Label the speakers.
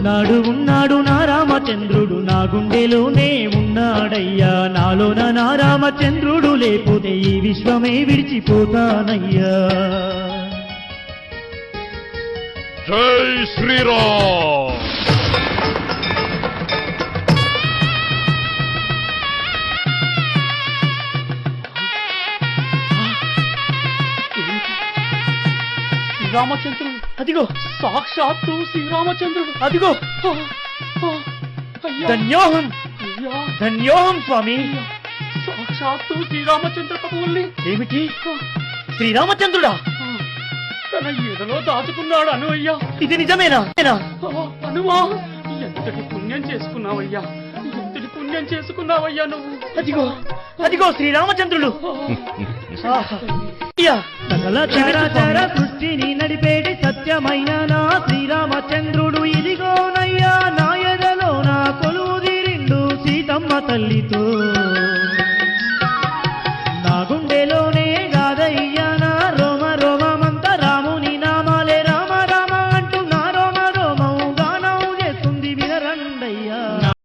Speaker 1: ఉన్నాడు ఉన్నాడు నా రామచంద్రుడు నా గుండెలోనే ఉన్నాడయ్యా నాలోన నా రామచంద్రుడు లేకపోతే ఈ విశ్వమే విడిచిపోతానయ్యా
Speaker 2: జై శ్రీరామ్
Speaker 3: శ్రీరామచంద్రుడు అదిగో సాక్షాత్తు శ్రీరామచంద్రుడు అదిగో
Speaker 1: ధన్యోహం ధన్యోహం స్వామి
Speaker 3: సాక్షాత్తు శ్రీరామచంద్ర ప్రభువుల్ని
Speaker 1: ఏమిటి శ్రీరామచంద్రుడా
Speaker 3: తన ఎదలో దాచుకున్నాడు అను అయ్యా
Speaker 1: ఇది నిజమేనా
Speaker 3: అనువా ఎంతటి పుణ్యం చేసుకున్నావయ్యా ఎంతటి పుణ్యం చేసుకున్నావయ్యా నువ్వు
Speaker 1: అదిగో అదిగో శ్రీరామచంద్రుడు సకల చరాచర సృష్టిని నడిపేటి సత్యమైన నా శ్రీరామచంద్రుడు ఇదిగోనయ్యా నా ఎదలో నా కొలువు తీరిండు సీతమ్మ తల్లితో